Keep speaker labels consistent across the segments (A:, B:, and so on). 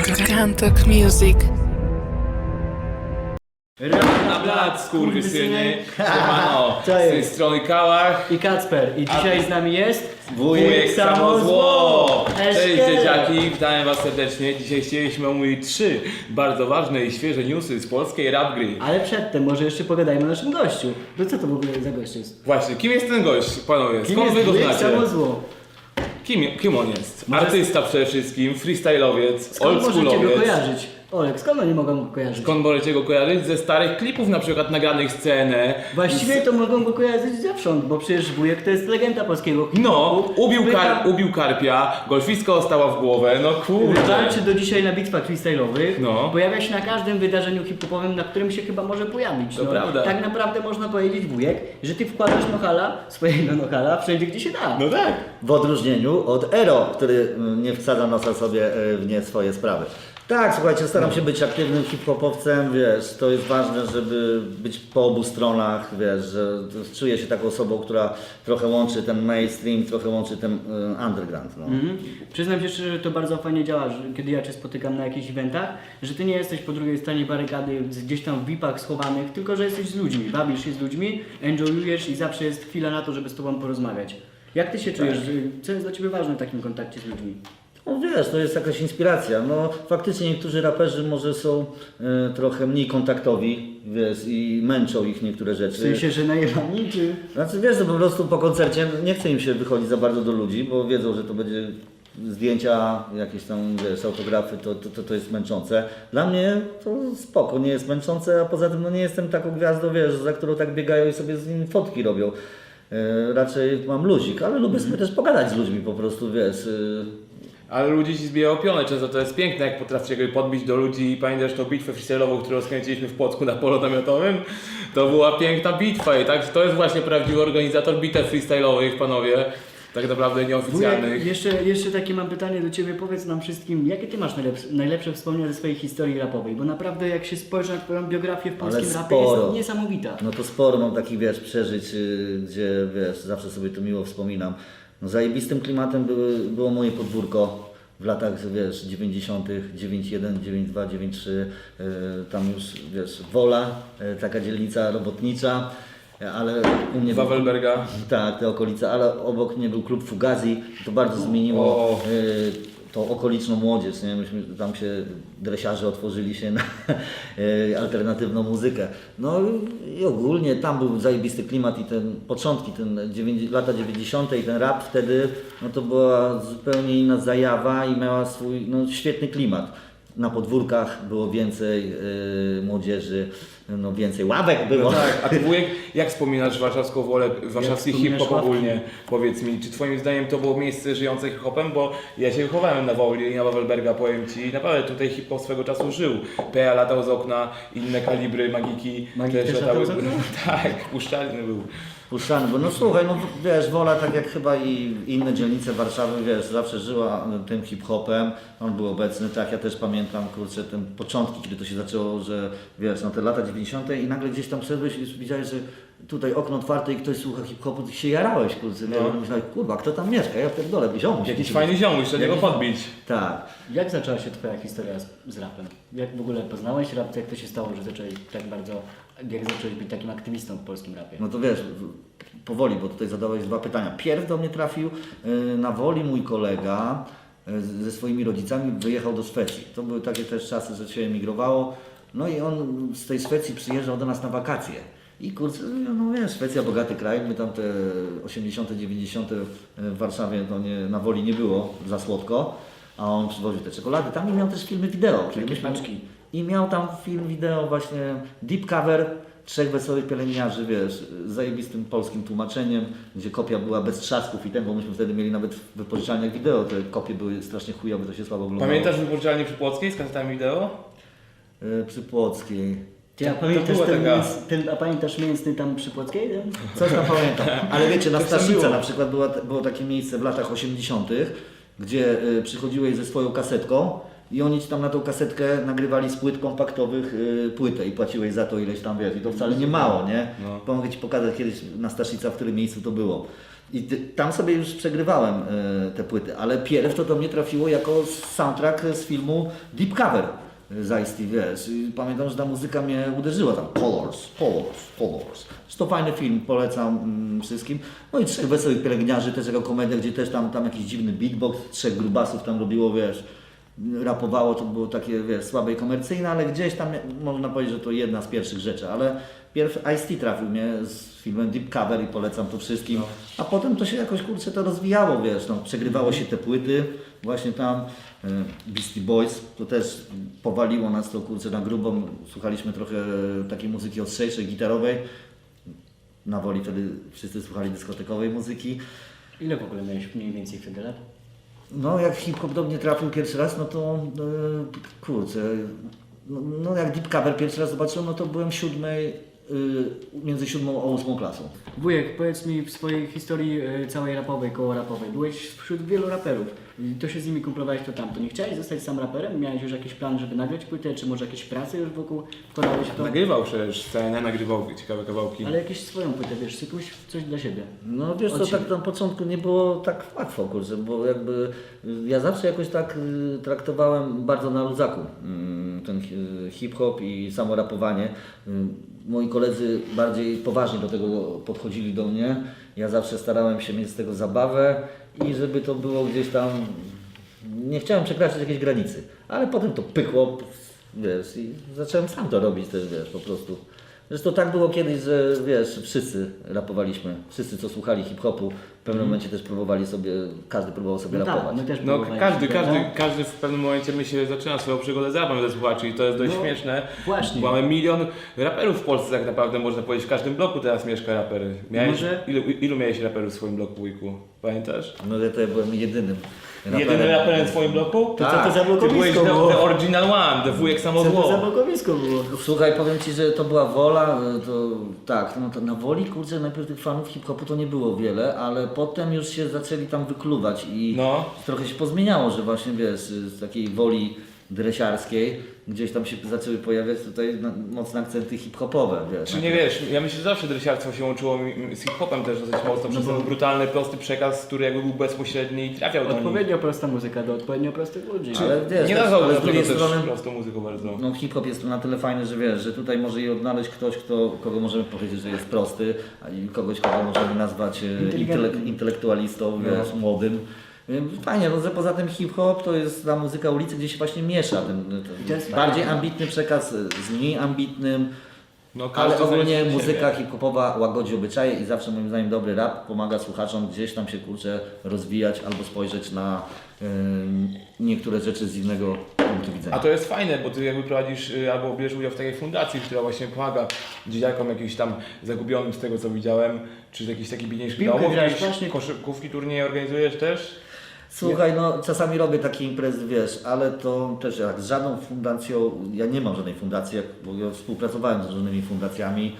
A: Kantok Music.
B: Na blat, skurwysyny, siemano, z tej strony Kałach
C: I Kacper. I dzisiaj z nami jest
B: wujek Samozło. Cześć
C: Eszkiel.
B: dzieciaki, witam was serdecznie. Dzisiaj chcieliśmy omówić 3 bardzo ważne i świeże newsy z polskiej rap gry.
C: Ale przedtem może jeszcze pogadajmy o naszym gościu. No co to w ogóle za gość jest?
B: Właśnie, kim jest ten gość, panowie?
C: Kim
B: Skąd wy
C: jest
B: go
C: wujek
B: znacie?
C: Samozło?
B: Kim on jest? Artysta przede wszystkim, freestyle'owiec,
C: Skąd możecie go
B: oldschoolowiec.
C: kojarzyć? Olek, skąd oni mogą go kojarzyć?
B: Skąd możecie go kojarzyć? Ze starych klipów na przykład nagranych scenę.
C: Właściwie to mogą go kojarzyć zewsząd, bo przecież wujek to jest legenda polskiego
B: No,
C: hip-hopu.
B: ubił karpia, golfiska ostała w głowę, no kurde.
C: Walczy do dzisiaj na bitwach freestyle'owych.
B: No.
C: Pojawia się na każdym wydarzeniu hip-hopowym, na którym się chyba może pojawić.
B: To prawda.
C: Tak naprawdę można powiedzieć, wujek, że ty wkładasz nohala, swojego nohala, wszędzie gdzie się da.
B: No tak.
D: W odróżnieniu od Ero, który nie wsadza nosa sobie w nie swoje sprawy. Tak, słuchajcie, staram się być aktywnym hip-hopowcem, wiesz, to jest ważne, żeby być po obu stronach, wiesz, że czuję się taką osobą, która trochę łączy ten mainstream, trochę łączy ten underground, no.
C: Przyznam się szczerze, że to bardzo fajnie działa, że kiedy ja Cię spotykam na jakichś eventach, że Ty nie jesteś po drugiej stronie barykady gdzieś tam w VIP-ach schowanych, tylko że jesteś z ludźmi, bawisz się z ludźmi, enjoyujesz i zawsze jest chwila na to, żeby z Tobą porozmawiać. Jak Ty się czujesz? Co jest dla Ciebie ważne w takim kontakcie z ludźmi?
D: No wiesz, to jest jakaś inspiracja. No faktycznie niektórzy raperzy może są trochę mniej kontaktowi, wiesz, i męczą ich niektóre rzeczy.
C: W sensie, że najebani, czy...
D: Znaczy wiesz, że po prostu po koncercie nie chce im się wychodzić za bardzo do ludzi, bo wiedzą, że to będzie zdjęcia, jakieś tam wiesz, autografy, to jest męczące. Dla mnie to spoko, nie jest męczące, a poza tym no nie jestem taką gwiazdą, wiesz, za którą tak biegają i sobie z nim fotki robią. Raczej mam luzik, ale lubię sobie też pogadać z ludźmi po prostu, wiesz.
B: Ale ludzi ci zbijają pionę, często to jest piękne, jak potraficie go podbić do ludzi i pamiętasz tą bitwę freestyle'ową, którą skręciliśmy w Płocku na polu namiotowym? To była piękna bitwa i tak, to jest właśnie prawdziwy organizator bitew freestyle'owych, panowie, tak naprawdę nieoficjalnych.
C: Wujek, jeszcze takie mam pytanie do Ciebie, powiedz nam wszystkim, jakie Ty masz najlepsze wspomnienia ze swojej historii rapowej? Bo naprawdę jak się spojrzy na Twoją biografię w polskim rapie, jest
D: sporo.
C: niesamowita.
D: No to sporo mam takich, wiesz, przeżyć, gdzie, wiesz, zawsze sobie to miło wspominam. No zajebistym klimatem było moje podwórko w latach, wiesz, 90., 91, 92, 93, tam już, wiesz, Wola, taka dzielnica robotnicza, ale u mnie...
B: Wawelberga.
D: Tak, te okolice, ale obok mnie był klub Fugazi, to bardzo zmieniło
B: O.
D: tą okoliczną młodzież, nie? Myśmy tam się, dresiarze otworzyli się na alternatywną muzykę. No i ogólnie tam był zajebisty klimat i ten początki, lata 90. i ten rap wtedy, no to była zupełnie inna zajawa i miała swój świetny klimat. Na podwórkach było więcej młodzieży, no więcej ławek było.
B: No tak, a ty wujek, jak wspominasz warszawską Wolę, warszawski
C: wspominasz
B: hip-hop
C: ławki?
B: ogólnie? Powiedz mi, czy twoim zdaniem to było miejsce żyjące hip-hopem? Bo ja się wychowałem na Woli i na Wawelberga, powiem ci, naprawdę tutaj hip-hop swego czasu żył. PA latał z okna, inne kalibry, magiki
C: Magik też latał z okna?
B: Tak, puszczalny był.
D: Puszczany, bo no słuchaj, no wiesz, Wola tak jak chyba i inne dzielnice Warszawy, wiesz, zawsze żyła tym hip-hopem, on był obecny, tak, ja też pamiętam, kurczę, te początki, kiedy to się zaczęło, że wiesz, no te lata 90. i nagle gdzieś tam wszedłeś i już widziałeś, że tutaj okno otwarte i ktoś słucha hip-hopu, ty się jarałeś, kurczę,
B: No.
D: no. Myślałeś, kurwa, kto tam mieszka, ja pierdolę, ziomuś.
B: Jakiś fajny ziomuś, trzeba niego podbić.
D: Tak.
C: Jak zaczęła się Twoja historia z rapem? Jak w ogóle poznałeś rap? Jak to się stało, że zacząłeś tak bardzo, jak zacząłeś być takim aktywistą w polskim rapie?
D: No to wiesz, powoli, bo tutaj zadałeś 2 pytania. Pierw do mnie trafił na Woli mój kolega ze swoimi rodzicami, wyjechał do Szwecji. To były takie też czasy, że się emigrowało. No i on z tej Szwecji przyjeżdżał do nas na wakacje. I kurczę, no wiesz, Szwecja bogaty kraj, my tam te 80., 90. w Warszawie to na Woli nie było za słodko, a on przywoził te czekolady. Tam miał też filmy wideo.
C: Jakieś paczki.
D: I miał tam film wideo właśnie deep cover 3 wesołych pielęgniarzy, wiesz, z zajebistym polskim tłumaczeniem, gdzie kopia była bez trzasków i ten, bo myśmy wtedy mieli nawet w wypożyczalniach wideo, te kopie były strasznie chujowe, to się słabo oglądało.
B: Pamiętasz wypożyczalnię przy Płockiej z kasetami wideo?
D: Przy Płockiej.
C: Ty, a
B: To
C: pamiętasz,
B: była taka-
C: a pamiętasz mięsny tam przy Płockiej? Ten?
D: Coś tam pamiętam. Ale wiecie, na
B: To
D: Staszica
B: było.
D: na przykład było takie miejsce w latach 80., gdzie przychodziłeś ze swoją kasetką i oni ci tam na tą kasetkę nagrywali z płyt kompaktowych płytę i płaciłeś za to ileś tam, wiesz, i to wcale nie mało, nie?
B: No.
D: Pomogę ci pokazać kiedyś na Staszica, w którym miejscu to było. I tam sobie już przegrywałem te płyty, ale pierw to do mnie trafiło jako soundtrack z filmu Deep Cover z Ice-T, wiesz. I pamiętam, że ta muzyka mnie uderzyła tam. Colors. Jest to fajny film, polecam wszystkim. No i Trzech Wesołych Pielęgniarzy, też jako komedia, gdzie też tam jakiś dziwny beatbox, trzech grubasów tam robiło, wiesz, rapowało, to było takie, wiesz, słabe i komercyjne, ale gdzieś tam można powiedzieć, że to jedna z pierwszych rzeczy, ale pierw Ice-T trafił mnie z filmem Deep Cover i polecam to wszystkim, a potem to się jakoś, kurczę, to rozwijało, wiesz, no, przegrywało się te płyty, właśnie tam Beastie Boys, to też powaliło nas to, kurczę, na grubo, słuchaliśmy trochę takiej muzyki ostrzejszej, gitarowej, na Woli wtedy wszyscy słuchali dyskotekowej muzyki.
C: Ile w ogóle miałeś mniej więcej wtedy lat?
D: No jak hip-hop do mnie trafił pierwszy raz, no to kurczę, no jak Deep Cover pierwszy raz zobaczyłem, no to byłem między 7 a 8 klasą.
C: Wujek, powiedz mi w swojej historii całej rapowej, koło rapowej, byłeś wśród wielu raperów. I to się z nimi kumplowałeś to tamto. Nie chciałeś zostać sam raperem? Miałeś już jakiś plan, żeby nagrać płytę, czy może jakieś prace już wokół wkładałeś w to?
B: Nagrywał przecież scenę, nagrywał ciekawe kawałki.
C: Ale jakieś swoją płytę, wiesz, sypuś coś dla siebie.
D: No wiesz co, tak na początku nie było tak łatwo, kurczę, bo jakby ja zawsze jakoś tak traktowałem bardzo na luzaku ten hip-hop i samo rapowanie. Moi koledzy bardziej poważnie do tego podchodzili do mnie. Ja zawsze starałem się mieć z tego zabawę i żeby to było gdzieś tam... Nie chciałem przekraczać jakiejś granicy, ale potem to pykło, wiesz, i zacząłem sam to robić też, wiesz, po prostu. Zresztą tak było kiedyś, że wiesz, wszyscy rapowaliśmy, wszyscy co słuchali hip-hopu, w pewnym momencie też próbowali sobie, każdy próbował sobie
C: No tak,
D: rapować.
C: my też
B: No
C: próbowaliśmy,
B: każdy w pewnym momencie myślę, że zaczyna swoją przygodę z rapem ze słuchaczy i to jest dość
C: No,
B: śmieszne.
C: właśnie.
B: Mamy milion raperów w Polsce tak naprawdę, można powiedzieć, w każdym bloku teraz mieszka raper. Ilu miałeś raperów w swoim bloku, wujku? Pamiętasz?
D: No ja to ja byłem jedynym raperem.
B: Jedyny raperem w swoim bloku?
C: To co to za
B: Ty byłeś
C: blokowisko było?
B: the original one, the wujek samo
C: Co to za
B: zło.
C: blokowisko było?
D: Słuchaj, powiem Ci, że to była Wola, to tak, no to na Woli, kurczę, najpierw tych fanów hip-hopu to nie było wiele, ale potem już się zaczęli tam wykluwać i
B: No.
D: trochę się pozmieniało, że właśnie wiesz, z takiej Woli dresiarskiej gdzieś tam się zaczęły pojawiać tutaj mocne akcenty hip-hopowe, wiesz.
B: Czy nie wiesz, ja myślę, że zawsze dresiarstwo się łączyło z hip-hopem też dosyć mocno, przez ten brutalny, prosty przekaz, który jakby był bezpośredni i trafiał do nich.
C: Odpowiednio prosta muzyka do odpowiednio prostych ludzi.
D: Ale wiesz,
B: Nie
D: też,
B: nazwałbym
D: ale z
B: tego
D: drugiej
B: też
D: strony
B: prostą muzyką bardzo.
D: no hip-hop jest na tyle fajny, że wiesz, że tutaj może i odnaleźć ktoś, kogo możemy powiedzieć, że jest prosty, a i kogoś, kogo możemy nazwać
C: Inteligentny.
D: intelektualistą, wiesz, młodym. Fajnie, no że poza tym hip-hop to jest ta muzyka ulicy, gdzie się właśnie miesza ten
C: To jest
D: bardziej
C: fajne.
D: ambitny przekaz z mniej ambitnym,
B: No,
D: ale
B: każdy
D: ogólnie
B: znajdzie
D: muzyka
B: siebie.
D: hip-hopowa łagodzi obyczaje i zawsze moim zdaniem dobry rap pomaga słuchaczom gdzieś tam się kurczę rozwijać albo spojrzeć na niektóre rzeczy z innego punktu widzenia.
B: A to jest fajne, bo ty jakby prowadzisz albo bierzesz udział w takiej fundacji, która właśnie pomaga dzieciakom jakimś tam zagubionym z tego co widziałem, czy jakichś takich biedniejszych
C: Piłkę
B: domów,
C: grałeś
B: jakieś
C: właśnie?
B: koszykówki, turnieje organizujesz też?
D: Słuchaj, no czasami robię takie imprezy, wiesz, ale to też jak z żadną fundacją, ja nie mam żadnej fundacji, bo ja współpracowałem z różnymi fundacjami.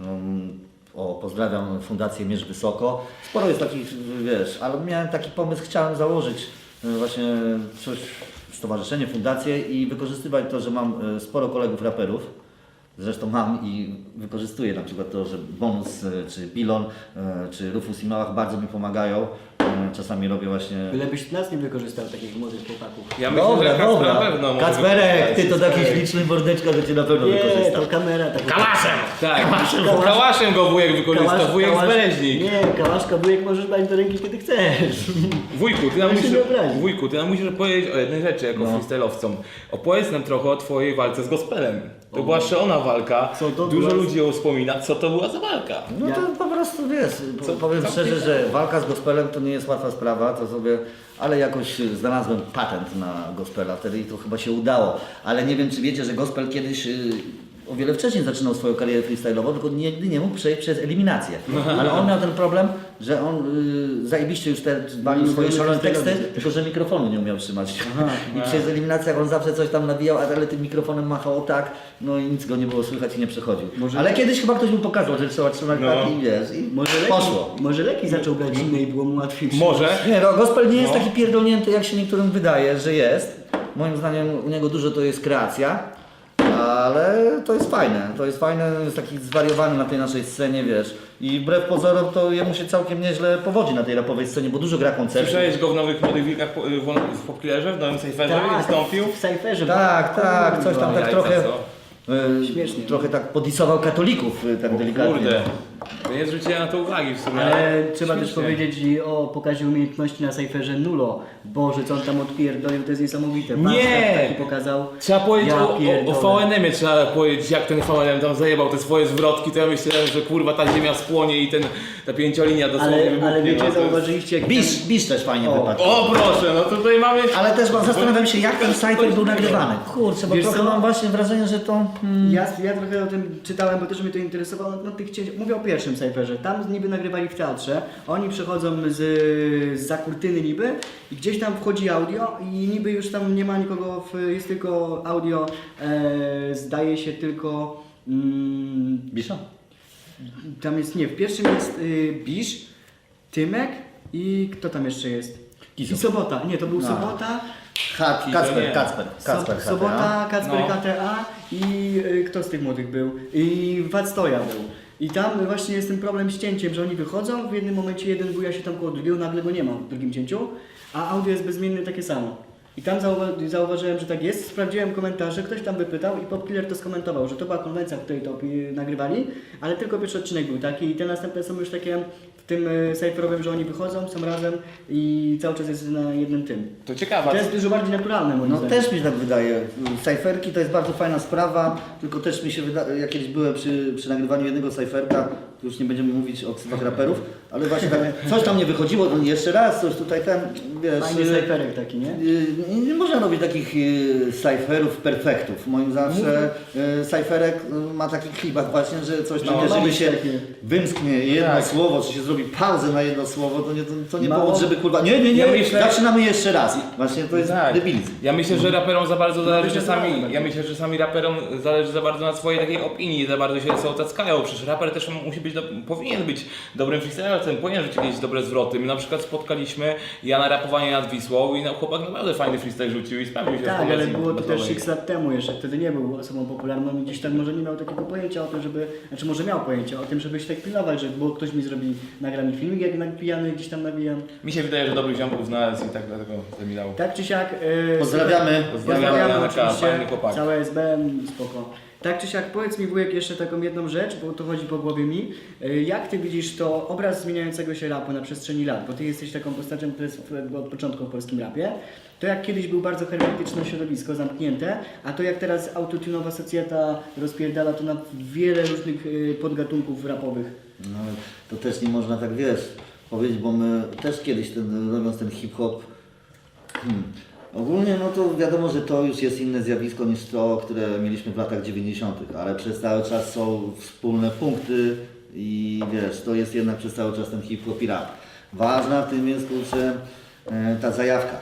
D: Pozdrawiam Fundację Mierz Wysoko. Sporo jest takich, wiesz, ale miałem taki pomysł, chciałem założyć właśnie coś, stowarzyszenie, fundację i wykorzystywać to, że mam sporo kolegów raperów. Zresztą mam i wykorzystuję na przykład to, że Bonus, czy Bilon, czy Rufus i Małach bardzo mi pomagają. Czasami robię właśnie...
C: Bylebyś nas nie wykorzystał takich młodych chłopaków.
B: Ja myślę, że Kacper na pewno może
D: Kacperek, ty to
B: wykorzystać.
D: taki śliczny mordeczka, że cię na pewno
C: Nie,
D: wykorzysta.
C: to kamera. Tak
B: Tak, kałaszem go wujek wykorzystał, wujek z Bereźnik.
C: Nie, kałaszka, wujek możesz brać do ręki kiedy chcesz.
B: Wujku, ty nam
C: Ja się
B: musisz,
C: nie obrazi.
B: wujku, ty nam musisz opowiedzieć o jednej rzeczy jako freestyle'owcom. Opowiedz nam trochę o twojej walce z gospelem. To była szalona walka,
C: Co to
B: dużo
C: była?
B: ludzi ją wspomina. Co to była za walka?
D: No to po prostu wiesz, powiem
B: co
D: szczerze,
B: ty-
D: że walka z gospelem to nie jest łatwa sprawa, to sobie, ale jakoś znalazłem patent na gospela wtedy i to chyba się udało. Ale nie wiem, czy wiecie, że gospel kiedyś o wiele wcześniej zaczynał swoją karierę freestyle'ową, tylko nigdy nie mógł przejść przez eliminację. Ale on miał ten problem, że on zajebiście już walił swoje szalone teksty, tylko że mikrofonu nie umiał trzymać. I przez eliminację on zawsze coś tam nawijał, ale tym mikrofonem machał tak, no i nic go nie było słychać i nie przechodził. Ale kiedyś chyba ktoś mu pokazał, że trzeba trzymać tak i wiesz, i poszło.
C: Może leki zaczął brać inne i było mu łatwiej.
B: Może?
D: Nie, no gospel nie jest taki pierdolnięty, jak się niektórym wydaje, że jest. Moim zdaniem u niego dużo to jest kreacja, ale to jest fajne, jest taki zwariowany na tej naszej scenie, wiesz. I wbrew pozorom to jemu się całkiem nieźle powodzi na tej rapowej scenie, bo dużo gra koncertów.
B: Słyszałeś go w Nowych Młodych Wilkach w Popkillerze, w nowym Cypherze, wystąpił?
C: w Cypherze.
D: Tak, coś tam tak
B: Jajca,
D: trochę,
B: co?
C: Śmiesznie.
D: trochę tak podisował katolików, tak delikatnie.
B: Kurde, to nie zwróciłem na to uwagi w sumie.
C: Ale trzeba też
B: śmiesznie.
C: powiedzieć i o pokazie umiejętności na Cypherze Nulo. Boże, co on tam odpierdolił, to jest niesamowite.
B: Nie!
C: Warsztat taki pokazał.
B: Trzeba powiedzieć
C: Ja
B: o
C: pierdolę.
B: VNM-ie, trzeba powiedzieć jak ten VNM tam zajebał te swoje zwrotki, to ja myślałem, że kurwa ta ziemia spłonie i ta pięciolinia dosłownie wybuchnie.
C: Ale wiecie,
B: no, to jest-
C: zauważyliście jak
D: Bisz też fajnie wypadł.
B: O proszę, no tutaj mamy...
D: Ale też zastanawiam się, jak ten Cypher był nagrywany. Kurczę, bo
C: Wiesz
D: trochę
C: co?
D: mam właśnie wrażenie, że to...
C: Ja trochę o tym czytałem, bo też mnie to interesowało. No, mówię o pierwszym Cypherze. Tam niby nagrywali w teatrze. Oni przychodzą za kurtyny niby i gdzieś tam wchodzi audio i niby już tam nie ma nikogo, jest tylko audio. Zdaje się tylko...
D: Bisza?
C: Tam jest, nie, w pierwszym jest Bisz, Tymek i kto tam jeszcze jest?
D: Kizo.
C: I Sobota. Nie, to był
D: A.
C: Sobota.
D: Kacper.
C: Sobota, Kacper
B: No.
C: KTA i kto z tych młodych był? I Wactoja był. I tam właśnie jest ten problem z cięciem, że oni wychodzą, w jednym momencie jeden buja się tam koło drugiego, nagle go nie ma w drugim cięciu, a audio jest bezmiennie takie samo. I tam zauważyłem, że tak jest, sprawdziłem komentarze, ktoś tam wypytał i Popkiller to skomentował, że to była konwencja, w której to nagrywali, ale tylko pierwszy odcinek był taki i te następne są już takie w tym cypherowym, że oni wychodzą, są razem i cały czas jest na jednym tym.
B: To ciekawe.
C: To jest dużo bardziej naturalne moim
D: No
C: zdaniem.
D: też mi się tak wydaje. Cyferki to jest bardzo fajna sprawa, tylko też mi się wydaje, ja kiedyś byłem przy nagrywaniu jednego cyferka, już nie będziemy mówić o ksywach raperów, ale właśnie tak, coś tam nie wychodziło, to jeszcze raz, coś tutaj ten, wiesz...
C: Fajny cyferek taki, nie?
D: Nie można robić takich cyferów perfektów. Moim zawsze cyferek ma taki klimat właśnie, że coś tam,
B: No,
D: jeżeli
C: ma
D: się
C: takie.
D: wymsknie jedno
B: Tak.
D: słowo, czy się zrobi pauzę na jedno słowo, to nie
C: Mało-
D: powód, żeby kurwa, nie,
B: Ja myślę-
D: zaczynamy jeszcze raz. Właśnie to jest
B: Tak.
D: debilizm.
B: Ja myślę, że raperom za bardzo zależy
C: to
B: czasami,
C: naturalne.
B: ja myślę, że czasami raperom zależy za bardzo na swojej takiej opinii, za bardzo się ocackają, przecież raper też musi być, powinien być dobrym freestylerem, powinien rzucić jakieś dobre zwroty. My na przykład spotkaliśmy Jana Rapowanie nad Wisłą i chłopak naprawdę fajny freestyle rzucił i sprawdził się w
C: Tak, ale
B: konwencji
C: było to też
B: battle'owej.
C: x lat temu jeszcze, wtedy nie był osobą popularną i gdzieś tak może nie miał takiego pojęcia o tym, żeby, znaczy może miał pojęcie o tym, żeby się tak pilnować, że było ktoś mi zrobi, nagra mi filmik, jak napijany gdzieś tam nawijam.
B: Mi się wydaje, że dobrych ziomków znalazł i tak dlatego zamilał.
C: Tak czy siak...
D: Pozdrawiamy.
B: Pozdrawiamy Janka, fajny chłopak.
C: całe SBM, spoko. Tak czy siak, powiedz mi wujek jeszcze taką jedną rzecz, bo to chodzi po głowie mi. Jak ty widzisz to obraz zmieniającego się rapu na przestrzeni lat? Bo ty jesteś taką postacią, która jest od początku w polskim rapie. To jak kiedyś był bardzo hermetyczne środowisko, zamknięte, a to jak teraz autotunowa socjeta rozpierdala to na wiele różnych podgatunków rapowych.
D: No, ale to też nie można tak, wiesz, powiedzieć, bo my też kiedyś robiąc ten hip-hop, ogólnie no to wiadomo, że to już jest inne zjawisko niż to, które mieliśmy w latach 90., ale przez cały czas są wspólne punkty i wiesz, to jest jednak przez cały czas ten hip-hop i rap. Ważna w tym jest, kurczę, ta zajawka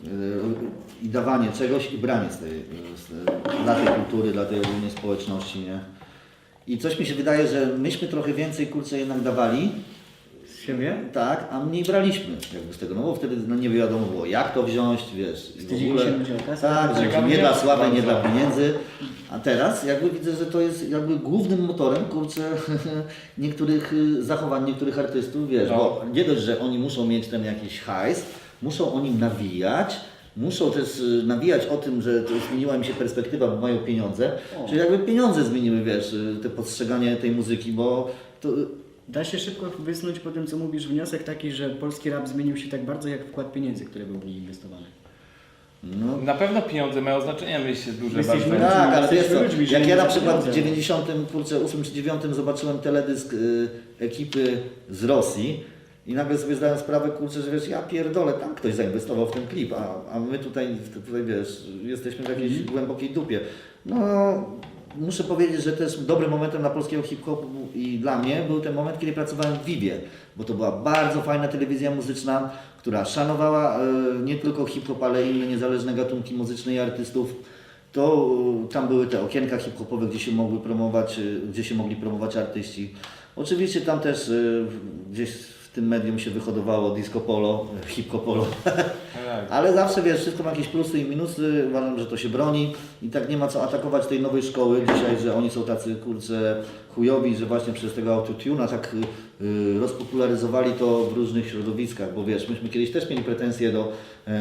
D: i dawanie czegoś i branie dla tej kultury, dla tej ogólnej społeczności, nie? I coś mi się wydaje, że myśmy trochę więcej, kurczę, jednak dawali,
C: Z siebie?
D: tak, a mniej braliśmy jakby z tego, no bo wtedy no, nie wiadomo było jak to wziąć, wiesz, i w
C: Wstydzili
D: ogóle,
C: się ludzie o kasę.
D: tak, że
B: Ciekawe
D: nie dla
B: jest
D: sławy, nie
B: bardzo.
D: dla pieniędzy, a teraz jakby widzę, że to jest jakby głównym motorem, kurczę, niektórych zachowań, niektórych artystów, wiesz,
B: No.
D: bo nie dość, że oni muszą mieć ten jakiś hajs, muszą o nim nawijać, muszą też nawijać o tym, że to zmieniła im się perspektywa, bo mają pieniądze,
C: O.
D: czyli jakby pieniądze zmieniły, wiesz, te postrzeganie tej muzyki, bo to
C: Da się szybko wysnuć po tym, co mówisz, wniosek taki, że polski rap zmienił się tak bardzo jak wkład pieniędzy, które był w niej inwestowany.
D: no,
B: Na pewno pieniądze mają znaczenie, myślę, duże
C: Jesteśmy
B: bardzo.
C: ludźmi.
D: tak, ale wiesz
C: jesteśmy
D: co,
C: ludźmi,
D: jak
C: żyjemy
D: ja na
C: za
D: przykład w
C: pieniądze.
D: 98 czy 9 zobaczyłem teledysk ekipy z Rosji i nagle sobie zdałem sprawę, kurczę, że wiesz, ja pierdolę, tam ktoś zainwestował w ten klip, a my tutaj wiesz, jesteśmy w jakiejś głębokiej dupie. No, muszę powiedzieć, że też dobrym momentem dla polskiego hip-hopu i dla mnie był ten moment, kiedy pracowałem w Vivie, bo to była bardzo fajna telewizja muzyczna, która szanowała nie tylko hip-hop, ale inne niezależne gatunki muzyczne i artystów. To tam były te okienka hip-hopowe, gdzie się mogli promować artyści. Oczywiście tam też gdzieś w w tym medium się wyhodowało disco polo, hip polo.
B: No tak.
D: Ale zawsze wiesz, wszystko ma jakieś plusy i minusy, uważam, że to się broni i tak nie ma co atakować tej nowej szkoły dzisiaj, że oni są tacy kurczę chujowi, że właśnie przez tego autotune'a tak rozpopularyzowali to w różnych środowiskach, bo wiesz, myśmy kiedyś też mieli pretensje do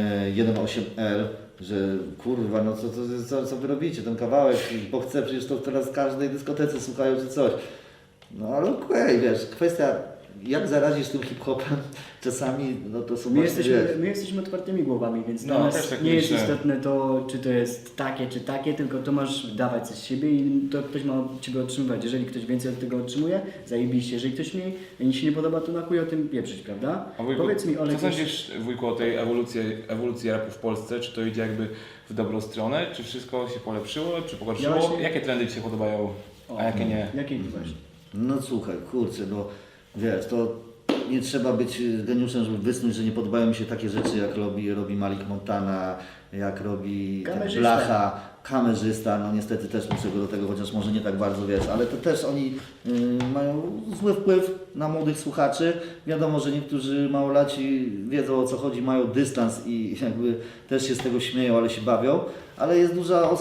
D: 1.8L, że kurwa, no co wy robicie, ten kawałek, bo chcę, przecież to teraz w każdej dyskotece słuchają czy coś. No ale okej, wiesz, kwestia jak zarazisz tym hip-hopem czasami, no to są
C: My
D: właśnie, wiesz,
C: jesteśmy otwartymi głowami, więc
B: No,
C: dla nas
B: też tak
C: nie jest
B: myślę.
C: istotne to, czy to jest takie, czy takie, tylko to masz dawać coś z siebie i to ktoś ma od Ciebie otrzymywać. Jeżeli ktoś więcej od tego otrzymuje, zajebiście. Jeżeli ktoś mi się nie podoba, to na chuj o tym pieprzyć, prawda?
B: A wujku,
C: Powiedz mi, Olek,
B: co sądzisz, wujku, o tej ewolucji rapu w Polsce? Czy to idzie jakby w dobrą stronę? Czy wszystko się polepszyło, czy pogorszyło?
C: Ja właśnie-
B: Jakie trendy Ci się podobają, a jakie nie?
C: Jakiej ty właśnie?
D: no słuchaj, kurczę, no wiesz, to nie trzeba być geniuszem, żeby wysnuć, że nie podobają mi się takie rzeczy, jak robi Malik Montana, jak robi
C: Kamerzysta.
D: Blacha, kamerzysta, no niestety też muszę go do tego, chociaż może nie tak bardzo, wiesz, ale to też oni mają zły wpływ na młodych słuchaczy. Wiadomo, że niektórzy małolaci wiedzą o co chodzi, mają dystans i jakby też się z tego śmieją, ale się bawią, ale jest duża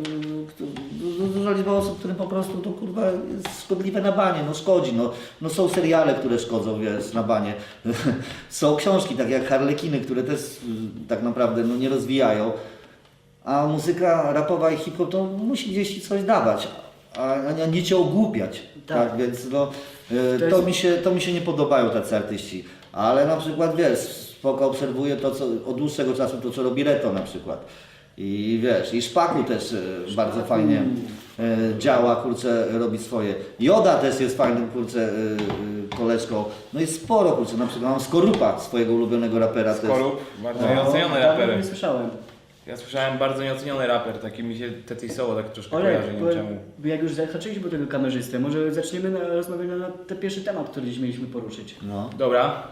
D: liczba osób, którym po prostu to kurwa jest szkodliwe na banie, no szkodzi, no są seriale, które szkodzą, wiesz, na banie. Są książki, tak jak Harlekiny, które też tak naprawdę no, nie rozwijają. A muzyka rapowa i hip-hop to musi gdzieś ci coś dawać, a nie cię ogłupiać.
C: Tak.
D: Tak, więc no,
C: To
D: to mi się nie podobają tacy artyści. Ale na przykład wiesz, spoko obserwuję to, co od dłuższego czasu to, co robi Reto na przykład. I wiesz, i Szpaku też bardzo fajnie działa, kurczę, robi swoje. Joda też jest fajnym, kurczę, koleżką. No jest sporo, kurczę, na przykład mam Skorupa, swojego ulubionego rapera też.
B: Skorup, bardzo
C: No,
B: nieoceniony
C: dawno
B: raper.
C: nie słyszałem.
B: Ja słyszałem bardzo nieoceniony raper, taki mi się Tety Soło tak troszkę
C: Olek,
B: kojarzy, nie wiem czemu.
C: jak już zahaczyliśmy tego kamerzystę, może zaczniemy rozmawiać na ten pierwszy temat, który dziś mieliśmy poruszyć.
D: No.
B: Dobra,